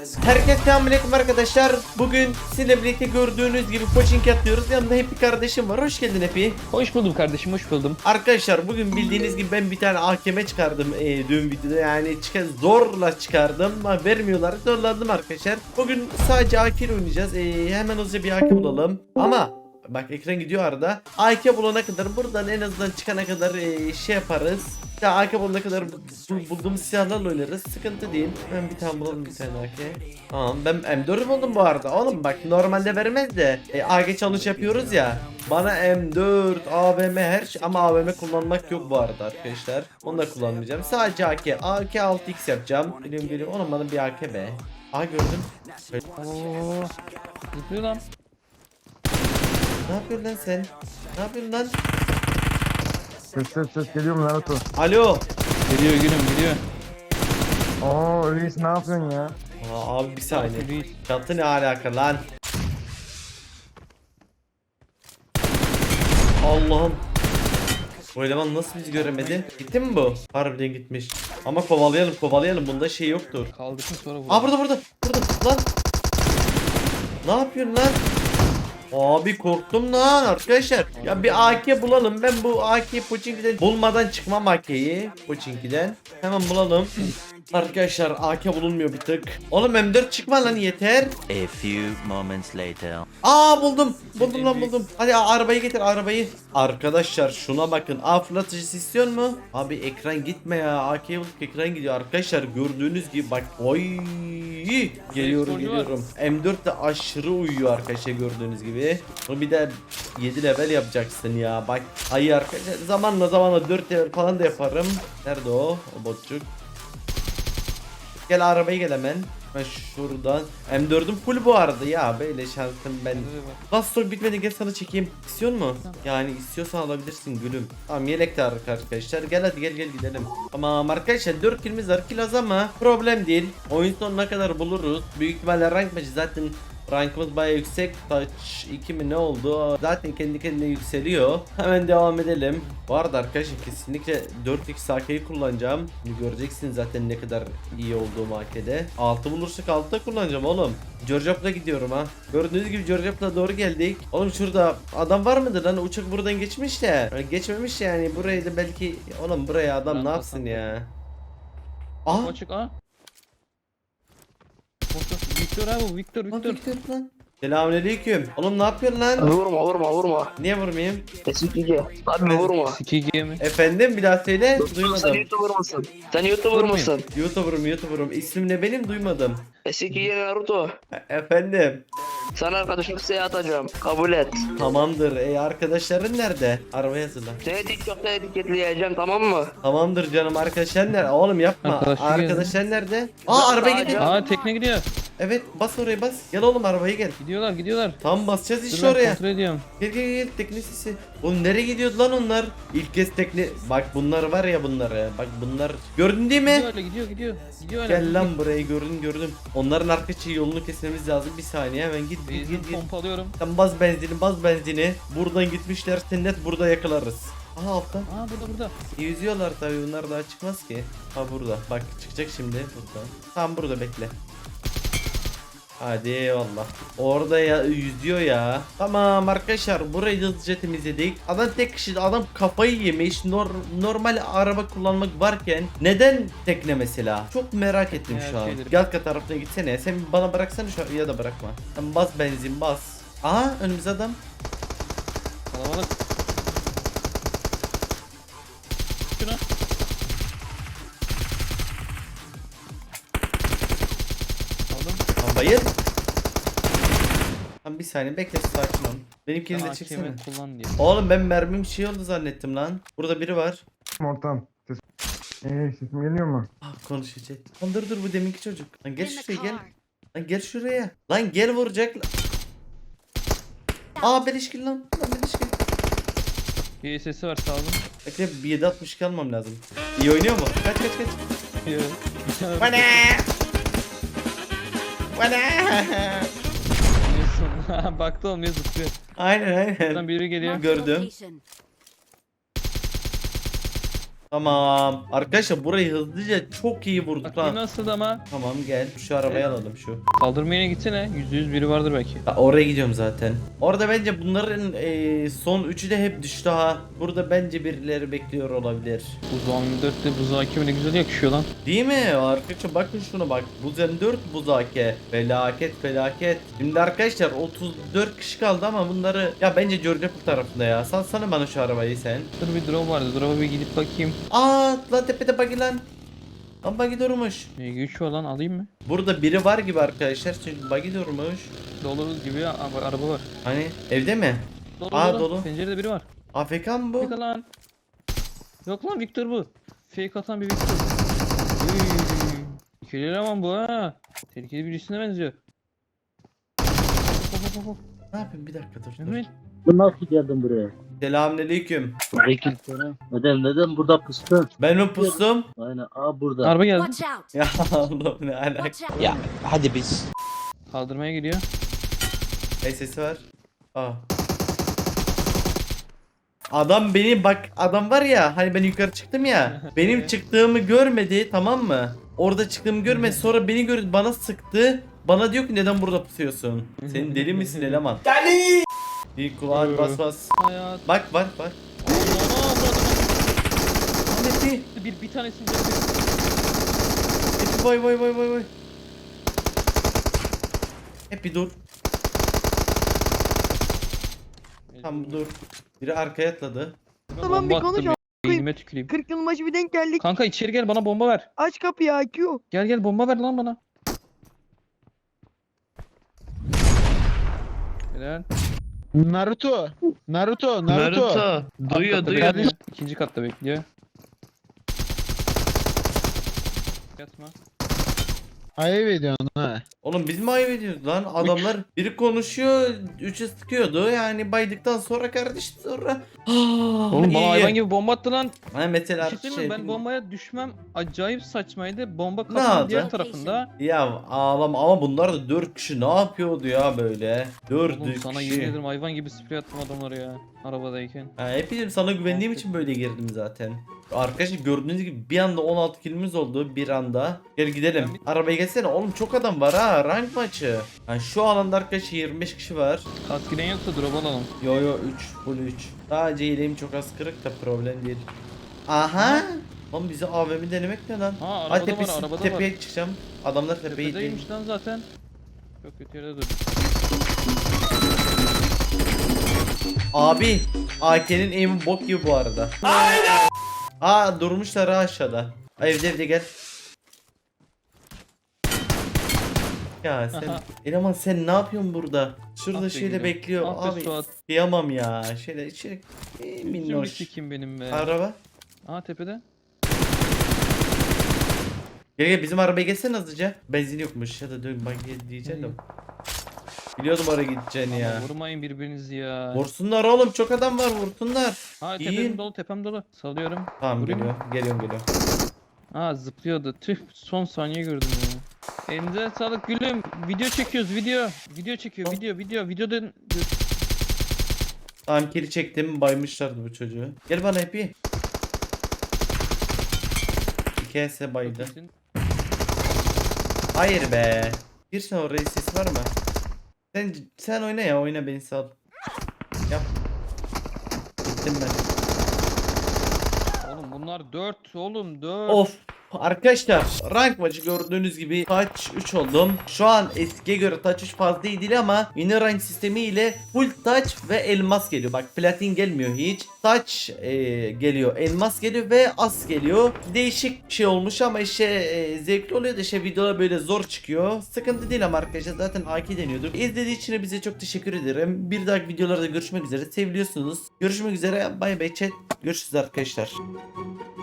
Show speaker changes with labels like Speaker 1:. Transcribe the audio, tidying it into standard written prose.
Speaker 1: Herkese selamünaleyküm arkadaşlar. Bugün sizinle birlikte gördüğünüz gibi coaching yapıyoruz. Yanımda Happy kardeşim var. Hoş geldin Happy.
Speaker 2: Hoş buldum kardeşim, hoş buldum.
Speaker 1: Arkadaşlar bugün bildiğiniz gibi ben bir tane AKM çıkardım dün videoda. Yani zorla çıkardım ama vermiyorlar. Zorladım arkadaşlar. Bugün sadece AK ile oynayacağız. Hemen hızlıca bir AK bulalım. Ama bak ekran gidiyor arada. AK bulana kadar buradan en azından çıkana kadar şey yaparız. Ya AK bulana kadar bulduğumuz silahlarla oynarız. Sıkıntı değil. Ben bir tane bulalım, bir tane AK. Tamam, ben M4 buldum bu arada. Oğlum bak normalde vermez de AK challenge yapıyoruz ya. Bana M4, AVM her şey ama AVM kullanmak yok bu arada arkadaşlar. Onu da kullanmayacağım. Sadece AK. AK 6x yapacağım. Geliyorum. Oğlum bana bir AK be. Aa gördüm.
Speaker 2: Oo. Zıplıyor lan.
Speaker 1: Ne yapıyorsun lan sen? Ne yapıyorsun lan?
Speaker 3: Ses geliyor mu Naruto?
Speaker 1: Alo.
Speaker 2: Geliyor gülüm geliyor.
Speaker 3: Oo Reis ne yapıyorsun ya?
Speaker 1: Aa, abi bir saniye.
Speaker 2: Reis.
Speaker 1: Çatı ne alaka lan? Allah'ım. Bu eleman nasıl bizi göremedi? Gitti mi bu? Harbiden gitmiş. Ama kovalayalım. Bunda şey yoktur.
Speaker 2: Kaldırsın sonra vur.
Speaker 1: Aa burada. Lan. Ne yapıyorsun lan? Abi korktum lan arkadaşlar. Ya bir AK bulalım. Ben bu AK Pochinki'den bulmadan çıkmam AK'yi. Pochinki'den. Hemen bulalım. Arkadaşlar AK bulunmuyor bir tık. Oğlum M4 çıkma lan yeter.
Speaker 4: A few moments later.
Speaker 1: Aa buldum. Buldum. Hadi arabayı getir arabayı. Arkadaşlar şuna bakın. Aa fırlatıcısı istiyor mu? Abi ekran gitme ya. AK'ye bulduk, ekran gidiyor. Arkadaşlar gördüğünüz gibi bak. Oy. Geliyorum. M4 de aşırı uyuyor arkadaşlar gördüğünüz gibi. Bunu bir de 7 level yapacaksın ya. Bak ayı arkadaşlar zamanla 4 level falan da yaparım. Nerede o? O botçuk. Gel arabaya gel hemen. Ben şuradan. M4'üm full bu arada ya. Böyle şansım ben. Last stock bitmedi, gel sana çekeyim. İstiyor mu? Yani istiyorsan alabilirsin gülüm. Tamam yelek de arkadaşlar. Gel hadi gel gidelim. Tamam arkadaşlar 4 kilimiz var. Kill az ama problem değil. Oyun sonuna kadar buluruz. Büyük ihtimalle rank maçı zaten. Rankımız bayağı yüksek. Touch 2 mi ne oldu? Zaten kendi kendine yükseliyor. Hemen devam edelim. Bu arada arkadaşlar kesinlikle 4x AK'yi kullanacağım. Şimdi göreceksiniz zaten ne kadar iyi olduğum AK'de. 6 bulursak 6 da kullanacağım oğlum. Georgiap'la gidiyorum ha. Gördüğünüz gibi Georgiap'la doğru geldik. Oğlum şurada adam var mıdır lan? Uçak buradan geçmiş de. Geçmemiş yani. Burayı da belki. Oğlum buraya adam ne yapsın ya? Aa.
Speaker 2: Açık ha. Victor abi bu Victor.
Speaker 1: Lan. Selamünaleyküm. Oğlum ne yapıyorsun lan?
Speaker 5: Vurma.
Speaker 1: Niye vurmayayım?
Speaker 5: Eskici. Abi vurma.
Speaker 2: Sikigi mi?
Speaker 1: Efendim bir daha söyle.
Speaker 5: Sen
Speaker 1: Duymadım.
Speaker 5: YouTuber mısın? Sen YouTuber mısın?
Speaker 1: YouTuber'ım. İsmim ne benim? Duymadım.
Speaker 5: Eskici Naruto.
Speaker 1: Efendim.
Speaker 5: Sana arkadaşım size atacağım. Kabul et.
Speaker 1: Tamamdır. Arkadaşların nerede? Arabaya hazırlan.
Speaker 5: Seni TikTok'ta etiketleyeceğim, tamam mı?
Speaker 1: Tamamdır canım, arkadaşlar nerede? Oğlum yapma. Arkadaşlar nerede? Aa araba gidiyor.
Speaker 2: Aa tekne gidiyor.
Speaker 1: Evet bas oraya bas. Gel oğlum arabaya gel.
Speaker 2: Gidiyorlar.
Speaker 1: Tam basacağız
Speaker 2: Dur
Speaker 1: işte
Speaker 2: ben
Speaker 1: oraya.
Speaker 2: kontrol ediyorum.
Speaker 1: Gel tekne sesi. Oğlum nereye gidiyordu lan onlar? İlk kez tekne. Bak bunlar var ya bunları. Bak bunlar. Gördün değil mi?
Speaker 2: Gidiyor öyle.
Speaker 1: Gel lan burayı gördüm. Onların arka yolunu kesmemiz lazım. Bir saniye hemen git.
Speaker 2: Pompalıyorum.
Speaker 1: Sen bas benzini. Buradan gitmişler. Net burada yakalarız. Aha altta.
Speaker 2: Aa burada.
Speaker 1: Yüzüyorlar tabii, bunlar daha çıkmaz ki. Ha burada. Bak çıkacak şimdi burada. Tam burada bekle. Hadi eyvallah. Orada ya yüzüyor ya. Tamam arkadaşlar burayı hızlıca temizledik. Adam tek kişi, adam kafayı yemiş. Normal araba kullanmak varken neden tekne mesela? Çok merak ettim şu an. Gel tarafına gitsene. Sen bana bıraksana şu an, ya da bırakma. Sen bas benzin bas. Aha önümüzde adam.
Speaker 2: Kalabalık. Şuna. Aldım.
Speaker 1: Tamam bayıl. Tamam bir saniye bekle, sakin ol. Benimkini de çeksene.
Speaker 2: Kullan diye.
Speaker 1: Oğlum ben mermim şey oldu zannettim lan. Burada biri var.
Speaker 3: Ortam. Sesim geliyor mu?
Speaker 1: Ah konuşacak. Lan dur bu deminki çocuk. Lan gel şuraya gel. Lan gel şuraya. Lan gel vuracak. Aa beleşkil lan. Lan beleşkil.
Speaker 2: Bir sesi var sağ olun.
Speaker 1: Bekle bir 762 almam lazım. İyi oynuyor mu? Kaç. Bana.
Speaker 2: Baktı olmuyor zıplıyor.
Speaker 1: Aynen.
Speaker 2: Buradan biri geliyor.
Speaker 1: Gördüm. Tamam. Arkadaşlar burayı hızlıca çok iyi vurduk
Speaker 2: Bak
Speaker 1: lan.
Speaker 2: yine nasıl ama.
Speaker 1: Tamam gel şu arabayı alalım şu.
Speaker 2: Kaldırmaya gitsene. %100 biri vardır belki.
Speaker 1: Ya oraya gidiyorum zaten. Orada bence bunların son üçü de hep düştü ha. Burada bence birileri bekliyor olabilir.
Speaker 2: Buzağ 24'te buzağ kimi ne güzel yakışıyor lan.
Speaker 1: Değil mi? Arkadaşlar bakın şuna bak. Buz M4 buzake. Felaket felaket. Şimdi arkadaşlar 34 kişi kaldı ama bunları ya bence görecek bu tarafında ya. Salsana bana şu arabayı sen.
Speaker 2: Dur bir drone vardı. Drone'a bir gidip bakayım.
Speaker 1: Aa lan tepede buggy lan. Lan buggy durmuş.
Speaker 2: Güç var lan alayım mı?
Speaker 1: Burada biri var gibi arkadaşlar. Çünkü buggy durmuş.
Speaker 2: Dolu gibi araba var.
Speaker 1: Hani evde mi?
Speaker 2: Dolu
Speaker 1: Aa, dolu.
Speaker 2: Pencerede biri var.
Speaker 1: AFK mı bu?
Speaker 2: Fake lan. Yok lan Victor bu. Fake atan bir Victor. İkili eleman bu ha. Tehlikeli birisine benziyor. Hop, hop, hop, hop.
Speaker 1: Ne yapayım bir dakika dur. dur.
Speaker 2: Mehmet.
Speaker 6: Bu nasıl geldin buraya?
Speaker 1: Selamünaleyküm.
Speaker 6: Aleykümselam. Neden burada pıstın?
Speaker 1: Ben mi pustum?
Speaker 6: Aynen burada.
Speaker 2: Araba geldi.
Speaker 7: Watch out!
Speaker 1: Ya Allah'ım ne alaka.
Speaker 7: Watch out!
Speaker 4: hadi biz.
Speaker 2: Kaldırmaya gidiyor.
Speaker 1: Sesi var. Aa. Adam beni bak adam var ya hani ben yukarı çıktım ya benim çıktığımı görmedi tamam mı? Orada çıktığımı görmedi sonra beni gördü bana sıktı. Bana diyor ki neden burada pusuyorsun? Senin deli misin eleman? Deli! Bir kulağın bas bas.
Speaker 2: Hayat.
Speaker 1: Bak bak bak. Ahmet'i.
Speaker 2: Bir tanesini
Speaker 1: Vay vay vay vay vay. Hep bir dur. Tamam dur. Biri arkaya atladı.
Speaker 8: Tamam, bir konuş
Speaker 2: konuş. Eğilime tüküreyim.
Speaker 8: 40 yıl başı bir denk geldik.
Speaker 2: Kanka içeri gel bana bomba ver.
Speaker 8: Aç kapıyı IQ.
Speaker 2: Gel bomba ver lan bana. Helal.
Speaker 9: Naruto.
Speaker 2: Duyuyor
Speaker 9: duyuyor.
Speaker 2: İkinci katta bekliyor. Yatma.
Speaker 9: Ayıp ediyorsun ha.
Speaker 1: Oğlum biz mi ayıp ediyoruz lan? Adamlar biri konuşuyor, üçü sıkıyordu. Yani baydıktan sonra kardeş sonra.
Speaker 2: Oğlum bana hayvan gibi bomba attı lan.
Speaker 1: Ha mesela
Speaker 2: Bir şey söyleyeyim mi? Ben bombaya düşmem acayip saçmaydı. Bomba
Speaker 1: yaptı?
Speaker 2: kafanın diğer tarafında.
Speaker 1: Ya ağlama ama bunlar da 4 kişi ne yapıyordu ya böyle? 4
Speaker 2: Oğlum sana yemin
Speaker 1: kişi.
Speaker 2: ederim hayvan gibi sprey attım adamlara ya. Arabadayken.
Speaker 1: Ha, hepim sana güvendiğim için böyle girdim zaten. Arkadaşlar gördüğünüz gibi bir anda 16 kilimiz oldu bir anda. Gel gidelim. Arabaya gelsene oğlum çok adam var ha rank maçı. Yani şu alanda arkadaşlar 25 kişi var.
Speaker 2: Kask giren yoksa drop alalım.
Speaker 1: Yo 3 full 3. Sadece yeleğim çok az kırık da problem değil. Aha. Oğlum bize AVM denemek ne lan?
Speaker 2: Ha
Speaker 1: Hadi
Speaker 2: arabada var
Speaker 1: tepesi,
Speaker 2: arabada
Speaker 1: tepeye
Speaker 2: var.
Speaker 1: çıkacağım. Adamlar tepeye değil.
Speaker 2: Tepedeymiş lan zaten. Çok kötü yerde dur.
Speaker 1: Abi AK'nin aim'i bok gibi bu arada. Aynen. Aa durmuşlar ha aşağıda. Ay, evde gel. Ya sen
Speaker 2: Aha.
Speaker 1: eleman sen ne yapıyorsun burada? Şurada
Speaker 2: Ah be
Speaker 1: şeyle
Speaker 2: gülüm.
Speaker 1: bekliyor.
Speaker 2: Ah be
Speaker 1: Abi
Speaker 2: Suat.
Speaker 1: kıyamam ya. Şöyle içeri
Speaker 2: Şimdi
Speaker 1: minnoş.
Speaker 2: sikim benim be.
Speaker 1: Araba.
Speaker 2: Aha tepede.
Speaker 1: Gel bizim arabaya gelsene hızlıca. Benzin yokmuş ya da dön bak diyeceğim de. Biliyordum oraya gideceğini ya.
Speaker 2: Ama vurmayın birbirinizi ya.
Speaker 1: Vursunlar oğlum çok adam var vursunlar.
Speaker 2: Ha
Speaker 1: İyi.
Speaker 2: tepem dolu. Salıyorum.
Speaker 1: Tamam
Speaker 2: Vurayım mı?
Speaker 1: geliyorum.
Speaker 2: Ha zıplıyordu. Tüh son saniye gördüm ya. Elinize sağlık gülüm. Video çekiyoruz video. Video çekiyor video. Videodan
Speaker 1: Tamam kiri çektim baymışlardı bu çocuğu. Gel bana hepi. İkisi baydı. Hayır be. Bir sen oraya ses var mı? Sen oyna ya oyna beni sal. Yap. Gittim ben.
Speaker 2: Oğlum bunlar 4 oğlum 4.
Speaker 1: Of. Arkadaşlar rank maçı gördüğünüz gibi touch 3 oldum. Şu an eskiye göre touch 3 fazla iyi değil ama yeni rank sistemi ile full touch ve elmas geliyor. Bak platin gelmiyor hiç. Touch geliyor, elmas geliyor ve as geliyor. Değişik bir şey olmuş ama işte zevkli oluyor da işte videolar böyle zor çıkıyor. Sıkıntı değil ama arkadaşlar zaten AK deniyorduk. İzlediği için bize çok teşekkür ederim. Bir dahaki videolarda görüşmek üzere. Seviliyorsunuz. Görüşmek üzere. Bay bay chat. Görüşürüz arkadaşlar.